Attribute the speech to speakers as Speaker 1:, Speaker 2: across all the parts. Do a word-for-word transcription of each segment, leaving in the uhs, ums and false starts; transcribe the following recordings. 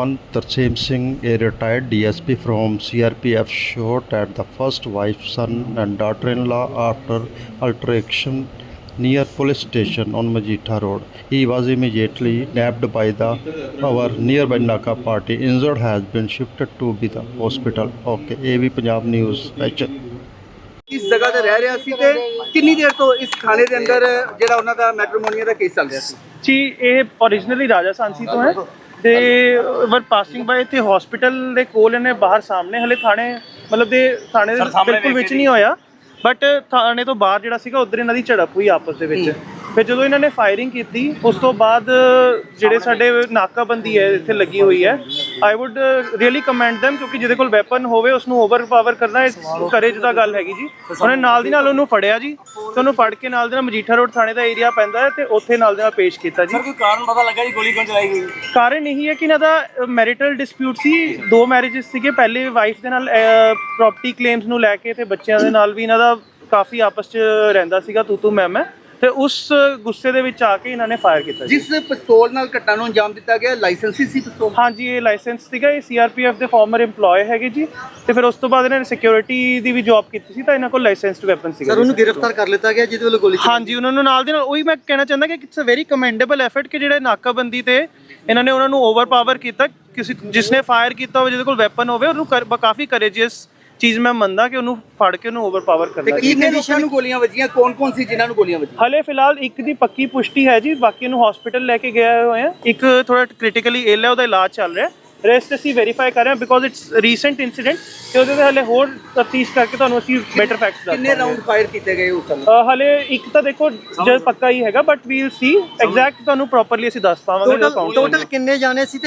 Speaker 1: One Tarseem Singh, a retired D S P from C R P F, shot at the first wife, son, and daughter-in-law after altercation near police station on Majita Road. He was immediately nabbed by the our nearby Naka party. Injured has been shifted to be the hospital. Okay, A B Punjab News special.
Speaker 2: ਇਸ ਜਗ੍ਹਾ ਤੇ ਰਹਿ ਰਿਹਾ ਸੀ ਤੇ ਕਿੰਨੀ ਦੇਰ ਤੋਂ ਇਸ ਥਾਣੇ ਦੇ ਅੰਦਰ ਜਿਹੜਾ ਉਹਨਾਂ ਦਾ ਮੈਟਰੀਮੋਨੀਆ ਦਾ ਕੇਸ ਚੱਲ ਰਿਹਾ ਸੀ
Speaker 3: ਜੀ। ਇਹ ਓਰੀਜਨਲੀ ਰਾਜਾ ਸਾਂਸੀ ਤੋਂ ਹੈ ਤੇ ਵਰ ਪਾਸਿੰਗ ਬਾਏ ਤੇ ਹਸਪੀਟਲ ਦੇ ਕੋਲ ਇਹਨੇ ਬਾਹਰ ਸਾਹਮਣੇ ਹਲੇ ਥਾਣੇ ਮਤਲਬ ਦੇ ਥਾਣੇ ਦੇ ਬਿਲਕੁਲ ਵਿੱਚ ਨਹੀਂ ਹੋਇਆ, ਬਟ ਥਾਣੇ ਤੋਂ ਬਾਹਰ ਜਿਹੜਾ ਸੀਗਾ ਉਧਰ ਇਹਨਾਂ ਦੀ ਝੜਪ ਹੋਈ ਆਪਸ ਦੇ ਵਿੱਚ। ਫਿਰ ਜਦੋਂ ਇਹਨਾਂ ਨੇ ਫਾਇਰਿੰਗ ਕੀਤੀ ਉਸ ਤੋਂ ਬਾਅਦ ਜਿਹੜੇ ਸਾਡੇ ਨਾਕਾਬੰਦੀ ਹੈ ਇੱਥੇ ਲੱਗੀ ਹੋਈ ਹੈ, I would really commend them, ਕਿਉਂਕਿ ਜਿਹਦੇ ਕੋਲ ਵੈਪਨ ਹੋਵੇ ਉਸ ਨੂੰ ਓਵਰਪਾਵਰ ਕਰਨਾ ਕਰੇਜ ਦਾ ਗੱਲ ਹੈਗੀ ਜੀ। ਉਹਨੇ ਨਾਲ ਦੀ ਨਾਲ ਉਹਨੂੰ ਫੜਿਆ ਜੀ ਤੇ ਉਹਨੂੰ ਫੜ ਕੇ ਨਾਲ ਦੇ ਨਾਲ ਮਜੀਠਾ ਰੋਡ ਥਾਣੇ ਦਾ ਏਰੀਆ ਪੈਂਦਾ ਹੈ ਤੇ ਉੱਥੇ ਨਾਲ ਦੇ ਨਾਲ ਪੇਸ਼ ਕੀਤਾ ਜੀ।
Speaker 2: ਕੋਈ ਕਾਰਨ ਪਤਾ ਲੱਗਾ ਜੀ ਗੋਲੀ ਕਿਉਂ ਚਲਾਈ ਗਈ?
Speaker 3: ਕਾਰਨ ਇਹੀ ਹੈ ਕਿ ਇਹਨਾਂ ਦਾ ਮੈਰਿਟਲ ਡਿਸਪਿਊਟ ਸੀ, ਦੋ ਮੈਰਿਜਸ ਸੀਗੇ। ਪਹਿਲੇ ਵਾਈਫ ਦੇ ਨਾਲ ਪ੍ਰੋਪਰਟੀ ਕਲੇਮਸ ਨੂੰ ਲੈ ਕੇ ਤੇ ਬੱਚਿਆਂ ਦੇ ਨਾਲ ਵੀ ਇਹਨਾਂ ਦਾ ਕਾਫੀ ਆਪਸ 'ਚ ਰਹਿੰਦਾ ਸੀਗਾ ਤੂੰ ਤੂੰ ਮੈਂ ਮੈਂ, ਤੇ ਉਸ ਗੁੱਸੇ ਦੇ ਵਿੱਚ ਆ ਕੇ ਇਹਨਾਂ ਨੇ ਫਾਇਰ ਕੀਤਾ।
Speaker 2: ਜਿਸ ਪਿਸਤੌਲ ਨਾਲ ਘਟਨਾ ਨੂੰ ਅੰਜਾਮ ਦਿੱਤਾ ਗਿਆ ਲਾਇਸੈਂਸੀ ਸੀ ਪਿਸਤੌਲ?
Speaker 3: ਹਾਂਜੀ, ਇਹ ਲਾਇਸੈਂਸ ਸੀਗਾ। ਇਹ ਸੀ ਆਰ ਪੀ ਐਫ ਦੇ ਫਾਰਮਰ EMPLOYE ਹੈਗੇ ਜੀ, ਤੇ ਫਿਰ ਉਸ ਤੋਂ ਬਾਅਦ ਇਹਨਾਂ ਨੇ ਸਿਕਿਉਰਿਟੀ ਦੀ ਵੀ ਜੌਬ ਕੀਤੀ ਸੀ ਤਾਂ ਇਹਨਾਂ ਕੋਲ ਲਾਇਸੈਂਸਡ ਵੈਪਨ ਸੀਗਾ।
Speaker 2: ਸਰ ਉਹਨੂੰ ਗ੍ਰਿਫਤਾਰ ਕਰ ਲਿੱਤਾ ਗਿਆ ਜਿਹਦੇ ਵੱਲੋਂ ਗੋਲੀ?
Speaker 3: ਹਾਂਜੀ, ਉਹਨਾਂ ਨੂੰ ਨਾਲ ਦੇ ਨਾਲ ਉਹੀ ਮੈਂ ਕਹਿਣਾ ਚਾਹੁੰਦਾ ਕਿ it's a very commendable effort ਕਿ ਜਿਹੜੇ ਨਾਕਾਬੰਦੀ ਤੇ ਇਹਨਾਂ ਨੇ ਉਹਨਾਂ ਨੂੰ ਓਵਰਪਾਵਰ ਕੀਤਾ। ਕਿਸੇ ਜਿਸਨੇ ਫਾਇਰ ਕੀਤਾ ਹੋਵੇ ਜਿਹਦੇ ਕੋਲ ਵੈਪਨ ਹੋਵੇ ਉਹਨੂੰ ਕਾਫੀ ਕਰੇਜੀਅਸ ਚੀਜ਼ ਮੈਂ ਮੰਨਦਾ ਕਿ ਉਹਨੂੰ ਫੜ ਕੇ ਉਹਨੂੰ ਓਵਰਪਾਵਰ ਕਰਨਾ।
Speaker 2: ਕਿੰਨੇ ਲੋਕਾਂ ਨੂੰ ਗੋਲੀਆਂ ਵੱਜੀਆਂ, ਕੌਣ ਕੌਣ ਸੀ ਜਿਨ੍ਹਾਂ ਨੂੰ ਗੋਲੀਆਂ ਵੱਜੀਆਂ?
Speaker 3: ਹਲੇ ਫਿਲਹਾਲ ਇੱਕ ਦੀ ਪੱਕੀ ਪੁਸ਼ਟੀ ਹੈ ਜੀ, ਬਾਕੀ ਨੂੰ ਹਸਪੀਟਲ ਲੈ ਕੇ ਗਏ ਹੋਏ ਆ। ਇੱਕ ਥੋੜਾ ਕ੍ਰਿਟੀਕਲੀ ਇਲ ਹੈ, ਉਹਦਾ ਇਲਾਜ ਚੱਲ ਰਿਹਾ। ਰੈਸਟ ਅਸੀਂ ਵੈਰੀਫਾਈ ਕਰ ਰਹੇ ਹਾਂ ਬਿਕੋਜ਼ ਇਟਸ ਰੀਸੈਂਟ ਇਨਸੀਡੈਂਟ, ਤੇ ਉਹਦੇ ਤੇ ਹਲੇ ਹੋਰ ਤਫਤੀਸ਼ ਕਰਕੇ ਤੁਹਾਨੂੰ ਅਸੀਂ ਬੈਟਰ ਫੈਕਟਸ ਦੱਸਾਂਗੇ।
Speaker 2: ਕਿੰਨੇ ਰਾਉਂਡ ਫਾਇਰ ਕੀਤੇ ਗਏ ਉਸ ਸਮੇਂ?
Speaker 3: ਹਲੇ ਇੱਕ ਤਾਂ ਦੇਖੋ ਜਦ ਪੱਕਾ ਹੀ ਹੈਗਾ, but we will see exact, ਤੁਹਾਨੂੰ ਪ੍ਰੋਪਰਲੀ ਅਸੀਂ ਦੱਸ ਪਾਵਾਂਗੇ।
Speaker 2: ਟੋਟਲ ਕਿੰਨੇ ਜਾਣੇ ਸੀ ਤੇ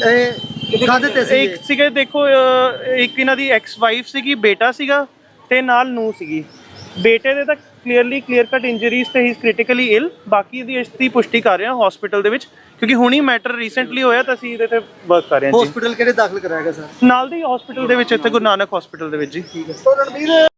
Speaker 2: ਕਾਹਦੇ ਤੇ ਸੀ?
Speaker 3: ਇੱਕ ਸੀਗੇ ਦੇਖੋ, ਇੱਕ ਇਹਨਾਂ ਦੀ ਐਕਸ ਵਾਈਫ ਸੀਗੀ, ਬੇਟਾ ਸੀਗਾ ਤੇ ਨਾਲ ਨੂੰਹ ਸੀਗੀ। ਬੇਟੇ ਦੇ ਤਾਂ ਕਲੀਅਰਲੀ ਕਲੀਅਰ ਕੱਟ ਇੰਜਰੀਜ਼ ਤੇ ਹੀ ਇਜ਼ ਕ੍ਰਿਟੀਕਲੀ ਇਲ। ਬਾਕੀ ਦੀ ਇਸ ਦੀ ਪੁਸ਼ਟੀ ਕਰ ਰਹੇ ਹਾਂ ਹਸਪੀਟਲ ਦੇ ਵਿੱਚ, ਕਿਉਂਕਿ ਹੁਣੀ ਮੈਟਰ ਰੀਸੈਂਟਲੀ ਹੋਇਆ ਤਾਂ ਅਸੀਂ ਇਹਦੇ ਤੇ ਵਰਕ ਕਰ ਰਹੇ ਹਾਂ ਜੀ।
Speaker 2: ਹਸਪੀਟਲ ਕਿਹੜੇ ਦਾਖਲ ਕਰਾਇਆ ਗਿਆ ਸਰ?
Speaker 3: ਨਾਲ ਦੀ ਹਸਪੀਟਲ ਦੇ ਵਿੱਚ, ਇੱਥੇ ਗੁਰੂ ਨਾਨਕ ਹਸਪੀਟਲ ਦੇ ਵਿੱਚ ਜੀ।
Speaker 2: ਠੀਕ ਹੈ।